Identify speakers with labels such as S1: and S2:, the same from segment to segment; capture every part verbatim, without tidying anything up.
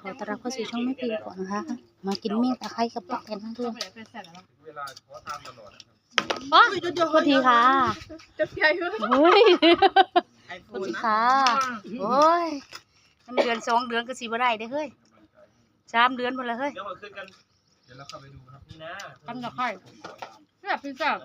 S1: อต้อนรับเข้าสู่ช่องแม่พิมพ์ก่อนนะคะมากินเมี่ยงตะไคร้กับปักกันทั้งเรื่อง
S2: เวลาขอทานตลอดนะครับ
S1: อ๋อโทษทีค่ะ
S3: จะใหญ่ไหม
S1: เฮ้ยโทษทีค่ะโอ้ยน้ำเดือนสองเดือนก็สีบ่ได้เด้อเฮ้ยสามเดือนหมดแล้วเฮ้ย
S2: เดี๋ยวมาขึ้นกันเดี๋ยวเราเข้าไปดูครับนี่นะ
S1: ทำตะไคร้แบบพิซซ่า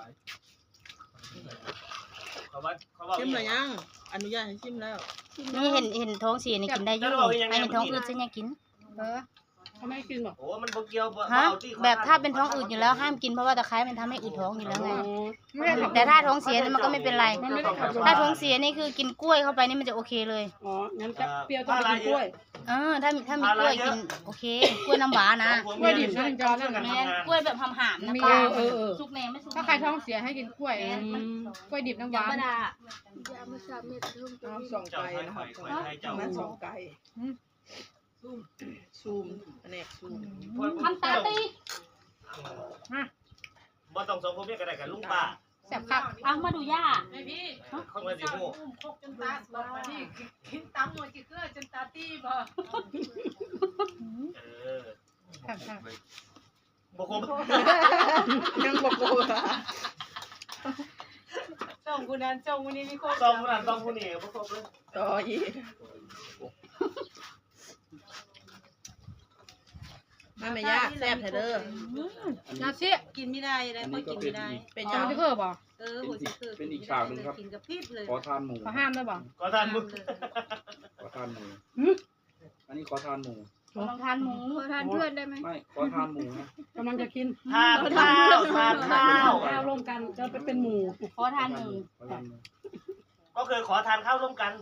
S2: เขาว่าเขาว่า
S3: ชิมหรือยังอนุญาตให้ชิมแล้ว
S1: นี่เห็นเห็นท้องเสียนี่กินได้อยู่ไม่เห็นท้องอืดฉันยังกิน
S3: เออเขาไม่กินหรอก
S2: โอ้มันบ่เกี่ยวบ่
S1: ฮะ
S2: เอาที่
S1: แบบถ้าเป็นท้องอืดอยู่แล้วห้ามกินเพราะว่าตะไคร้มันทำให้อืดท้องอยู่แล้วไง
S3: ไม่ได้ขับ
S1: แต่ถ้าท้องเสียมันก็ไม่เป็นไร
S3: มันไม่ได้ขับรถ
S1: ถ้าท้องเสียนี่คือกินกล้วยเข้าไปนี่มันจะโอเคเลย
S3: อ๋องั้นจะเปรี้ยวต้องไปกินกล้วย
S1: เออถ้ามีถ้ามีกล้วยกินโอเคกล้วยน้ำหวานนะ
S3: กล้วยดิบนั่นจอนั่น
S1: แม่กล้วยแบบหำๆนะ
S3: มี
S1: ป้า
S3: เออเออ
S1: สุกแน่ไม่สุก
S3: ถ้าใครท้องเสียให้กินกล้วยอืมกล้วยดิบน้ำหวาน
S1: ธรรมดา
S3: เอาสอง
S2: เจ้า
S3: ไก่
S2: ไทย
S3: นะ
S2: ไท
S3: ครับ
S2: ยไทยเจ้า
S3: นั้นสองไก่ซูมแผนกซูม
S1: ทำตาตี
S2: บ่ต้องสองคนเมียก็ได้กับลุงป้า
S3: แซ่บครับ
S1: เอามาดูย่า
S4: ไม่พี่
S2: เขามาสิโม่
S4: คกจนตาสว่างมาที่กินตำหมดจีเกลือจนตาตีบ่
S2: เออ
S3: ครับครับ
S2: บ่ครบ
S3: ยังบอกกู
S4: ส่งกูนั้นส่งวันนี้มีคก
S2: สองคนนั้นสองคนนี้บ่ครบเลย
S3: ต่ออีกมาไม่ยากแซ่บเถอะเด้อนาซิ
S4: กินไม่ได้เลยพอกินไม่ได้
S3: เป็น
S1: เอา
S3: ยัง
S1: ที่เพิ่มบ่
S4: เออหัวจีเกลือ
S5: เป็นอีกฉากหนึ่งครับ
S4: กินกับพริบเลย
S5: ขอทานหมู
S3: ขอห้ามได้บ่
S2: ขอทานมึง
S5: ขอทานหมูอันนี้ขอทานหมู
S1: ลองทานหมู
S3: ทานเพื่อนได้ไหม
S5: ไม่ขอทานหมูนะ
S3: กำลังจะกิน
S2: ทานข้าวทานข้าว
S3: ข้าวร่วมกันจะไปเป็นหมู่
S1: ขอทานหมู
S5: ขอทานหมู
S2: ก็คือขอทานข้าวร่วมกัน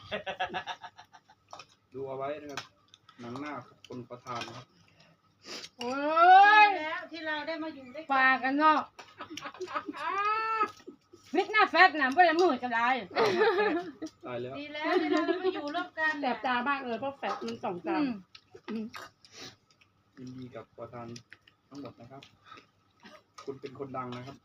S5: ดูเอาไว้นะครับหนังหน้าคนขอทานนะครับ
S3: โอ้ย
S4: แล้วที่เราได้มาอยู่ด้วย
S3: ปากันเนาะฟิตหน้าแฟตนะไม่ได้มือก็ได้
S5: ตายแล้ว
S4: ดีแล้วที่เราได้มาอยู่ร่วมกัน
S3: แสบตามากเลยเพราะแฟตมันสองตา
S5: ยินดีกับขอทานทั้งหมดนะครับ คุณเป็นคนดังนะครับ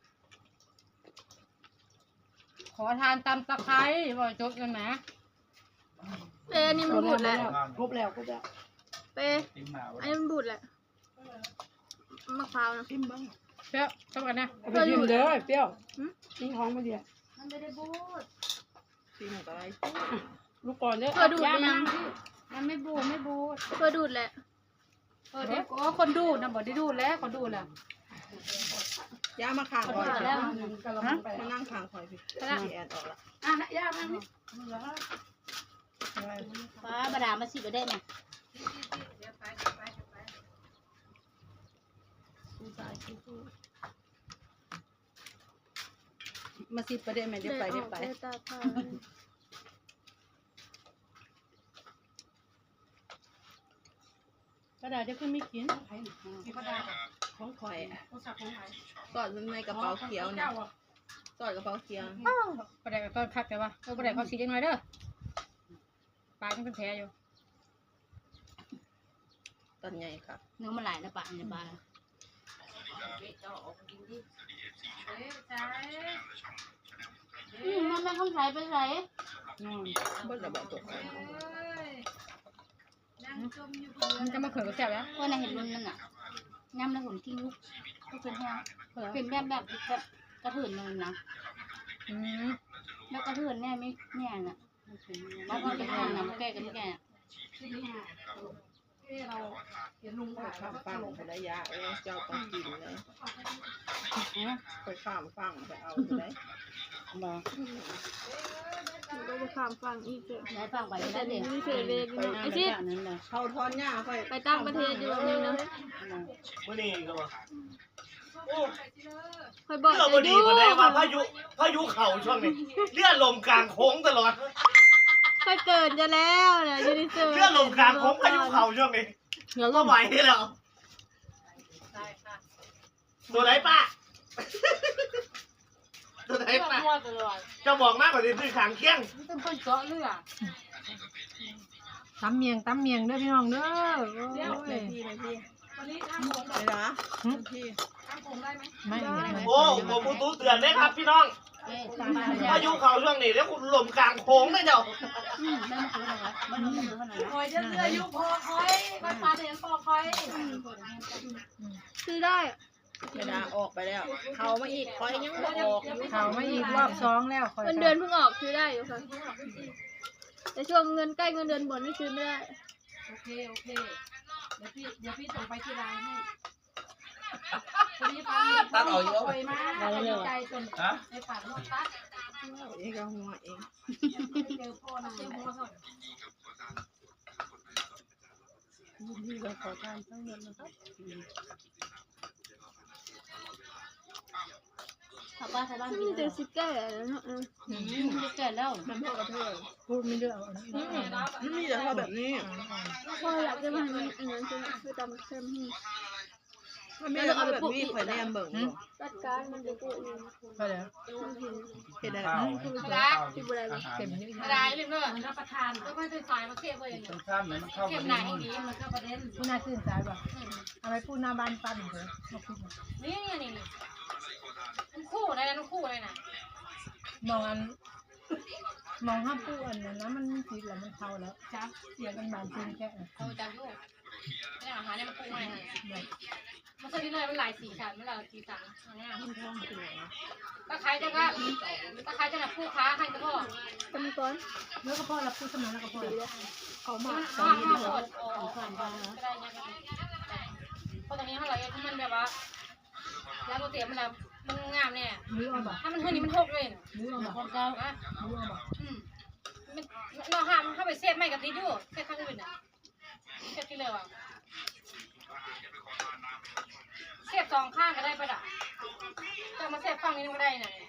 S3: ขอทานตำตะไคร้บ่อยจดกันนะ
S6: เป้นี่มันบูดแหละ
S3: ครบแล้วครบแล้ว
S6: เป้อันนี้มันบูดแหละมะพร้าวนะ
S3: อิ่มบ้างเปรี้ยวชอบกันนะเอาไปชิมเด้อเปรี้ยวทิ้งท้องมาเดียว
S1: มันไม่ได้บูด
S3: ชิมอะไรลูกก่อนเด้อ
S6: เพื่อดูด
S3: ย่า
S6: ยั
S3: มาง
S1: มันไม่บูดไม่บูด
S6: เพื่อดูดแหละ
S1: เออเด็กโอ้คนดูดนะบอกได้ดูดแล้วคนดูดแล้ว
S3: ย่ามาข้าง
S1: คน
S3: คอย
S1: ดูดแล้ว
S3: มานั่งข้างคอยพี่พี่แอนออกละ
S1: อ่ะย่ามาป้าบดามาสิบได้ไหม
S3: มาสิประเดี๋ยวแม่เดี๋ยวไปเดี๋ยวไป
S6: ตาพา
S3: กระดาษจะขึ้นไม่กิน
S1: ก็ได้
S3: ของคอยสอดในกระเป๋าเขียวนะสอดกระเป๋าเขียว
S1: ประเดี๋ยวต้นคักแต่ว่าเออประเดี๋ยวเขาสียังไงเด้อปลายังเป็นแผลอยู่
S3: ตอนใหญ่ค่ะ
S1: เนื้อมันหลายนะปลาเนี่ยปลาอืมมันไม่เข้าใส่ไปใส่
S3: เบิ้ลระเบิดตก
S4: นั่งจมอยู่บน
S1: มันจะมาเขินกับแซ่บแล้วว่าในเห็นรุ่นนั่นน่ะย่ำแล้วผมกิ้งลูกก็เป็นแห้งเป็นแบบแบบแบบกระเถินเลยนะอืมแล้วกระเถินแน่ไม่แน่น่ะแล้วก็เป็นแห้งนะแก่กันแก่
S3: ข้ามฟังไประยะเออเจ้าต้องกินเลยไปข้ามฟังไปเอาไป
S1: บ่
S6: ก็จะข้ามฟังอีกเถอะ
S1: ได้ฟังไป
S6: แต่
S1: ได้เด็
S6: นี่
S1: ก
S6: ไม่เคยเลยนะไอ้ชิด
S1: นั้นเลย
S3: เขาทอนหญ้าไป
S6: ไปตั้งประเทศอยู่แบบนึงนะ
S2: มื้อนี้ก็ว่าโอ้
S6: คอยบอก
S2: เรื่องบ่ดีบ่ได้ว่าพายุพายุเข้าช่วงนี้เลื่อนลมกลางโค้งตลอด
S6: คอยเกิดจะแล้วเนี่ยยูนิเซอร์
S2: เลื่อนลมกลางโค้งพายุเข้าช่วงนี้ก็ไหวแล้วตัวไหนป้าตัวไหนป้าจะบอกมากกว่าที่ซื้อขางเคียง
S1: เป็นคนเจาะเลือด
S3: ตำเมียงตำเมียงเด้อพี่น้องเด้อ
S4: เดี๋ยว
S3: โอ้ยพี่พี่
S4: วันนี้ทำผม
S3: ไปเหรอพี่
S4: ทำผมได้ไหม
S3: ไม่ไม่
S2: โอ้ผมมูตู้เตือนได้ครับพี่น้องพายุเข้าช่วงนี้แล้วคุณลมกลางโค้งนะเจ้า
S1: อืมไม่มาคืออะไรวะไม่มาคืออะไร
S4: คอยจะเลือยุพอคอยปลาเลี้ยงปอคอย
S6: ซื้อได้
S3: เวลาออกไปแล้ว เขามาอีกคอยยังบ่ออกอยู่
S4: เขาไม่อีกรอบสองแล้วคอย
S6: เงินเดือนเพิ่งออกซื้อได้อยู่ค่ะแต่ช่วงเงินใกล้เงินเดือนหมดนี่ซื้อไม่ได้
S4: โอเคโอเคเดี๋ยวพี่เดี๋ยวพี่ส่งไปที่ไลน์ให้ตัดออกอยู่ไปมาใจจนในปากนกตัด
S3: เองก็หัวเอง
S4: เจอพ่อนะเจอพ่อเขา
S3: นี่ก็ขอทานทั้งหมดนะครับ
S1: ชาวบ้านชาวบ้านกิ
S6: มี
S1: น
S6: แต่สิแก่แล้วเนาะ
S1: อืมเกิดแล้ว
S3: มันพ่อกระเทย
S4: พูดไม่เลือก
S3: มันมีแต่พอแบบนี้
S6: พออยากจะมาให้มันอันนั้นคือคือตำเส้นให้
S3: มันมีแต่พอแบบนี้ข่อยแนมเบิ่งบ่
S6: จัดการมันจะกูเอง
S4: ไปแล้ว
S6: มันเห็น
S3: เฮ็ดได้
S5: ข้าว
S6: คือ
S5: ข้าว
S6: ที่บุรี
S5: อาหาร
S4: เต็มเยอะ
S1: อะไรลืมเนอะ
S4: มันรับประทานก็ไม่ได้ฝ่ายมาเทียบเลย
S5: ต้นข้ามเนี่ยมันเข้า
S1: เก็
S5: กั
S1: บบ หนัง
S5: นี่
S1: ดีมันก็ประเด็น
S4: ผู้น่าชื่นใจป่ะเอาไปพูดหน้าบ้านปั้นเถอะมาพูด
S1: นี่นี่นี่มันคู่อะไรนะมันคู่อะไรนะ
S4: มองอันมองห้ามพูดอันนั้นนะมันผิดแล้วมันเท่าแล้วจ้าเสียกันบานจริงแค่
S1: เอาจานลูกไม่ได้อาหารเนี่ยมันคู่อะไรมันสลิดเลยมันหลายสีสันมันหลายสีสันง่ายตะไคร้จะก็ตะไคร้จะหนักคู่ค้าให้ก็พ่อ
S6: ตำก้อน
S4: แล้วก็พ่อรับพูดสมัยแล้วก็พ่อเขามา
S1: มัน
S4: ส
S1: ห้า
S4: อน
S1: ห้าหมดโอ้ผ่านไปก็ได้เนี่ยเพราะตรงนี้เท่าไหร่ที่มันแบบว่าแล้วโมเตียมันแบบมันงามเนี่ย
S4: มือเอาบ่
S1: ถ้ามันเท่านี้มันหกเลย
S4: มือเอาบ่
S1: คนเก่าอ่ะ
S4: มือเอาบ่
S1: อืมมันเราห้ามเข้าไปเซฟไม่กับดีดูเซฟข้างอื่นอ่ะเซฟที่เลยว่ะเซฟสองข้างก็ได้ประดับจะมาเซฟฝั่งนี้ก็ได้น่ะ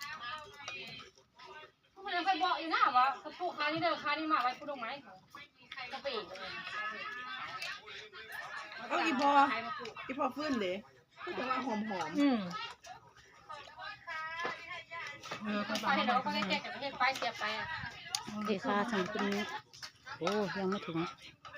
S1: มันยังเคยบอกอยู่นะว่าผูกค้านี่เด้อค้านี่มาไว้ผูดอกไม้เขาจะไปอีกเลย
S3: เอาอีพออีพอฟื้นเด้คือจะว่าหอม
S4: อืมเออเขา
S1: ไป
S4: บอก
S1: ให้เราก็แก้กับประเทศไปเสียไปอ่ะ
S7: เดค่าสั่งกินนี้โอ้ยังไม่ถึง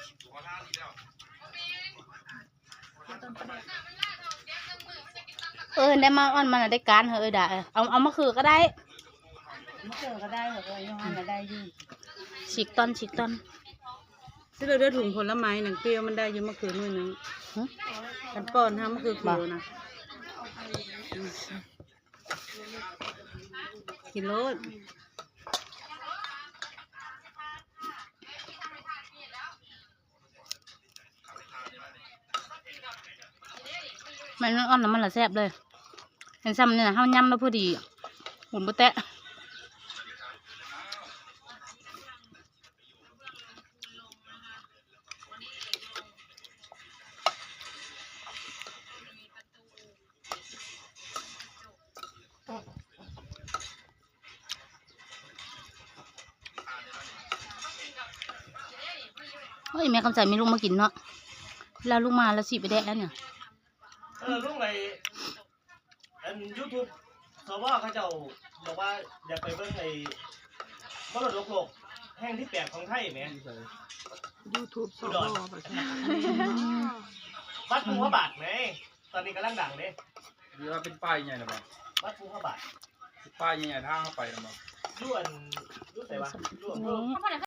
S7: เออได้มาอ่อนมันได้การเหรอเออได้เอาเอามาคือก็ได้
S1: มาเจอก็ได้เหรอยังไงก็ได้อยู่
S7: ฉีกต้นฉีกต้น
S8: ที่เราได้ถุงผลไม้หนังเปรี้ยวมันได้อยืมมะเขือหน่วยหนึงกันป้อนห้ามมะเขือเขียวนะกินรส
S7: มันอ่อนแล้วมันละแซ่บเลยเห็นซ้ำเนี่ยนะเฮาย่ำแล้วพอดีหุ่นบุแตะเฮ้ยแม่คำใส่มีลูกมากินเนาะแล้วลูกมาแล้วสิไปแดะแล้วเนี่ย
S2: เออลุงไอ้อันยูทูบสวเขาเจ้าบอกว่าอยากไปเบิ่งไอ้มรดกโลกแห่งที่แปดของไทยแหม
S3: ยูทูบส
S2: อุ
S3: อ
S2: ดร
S3: ประชา
S2: วัดภูพระบาทไงตอนนี้กำลังดังเด้
S5: หรือว่าเป็นป้ายใหญ่หรือเปล่า
S2: วัดภูพระบาท
S5: ป้ายใหญ่ๆทางเข้าไปหรือเปล่า
S2: ย้วนย้วนไหนวะย้วน
S7: นี่
S1: เขาบอก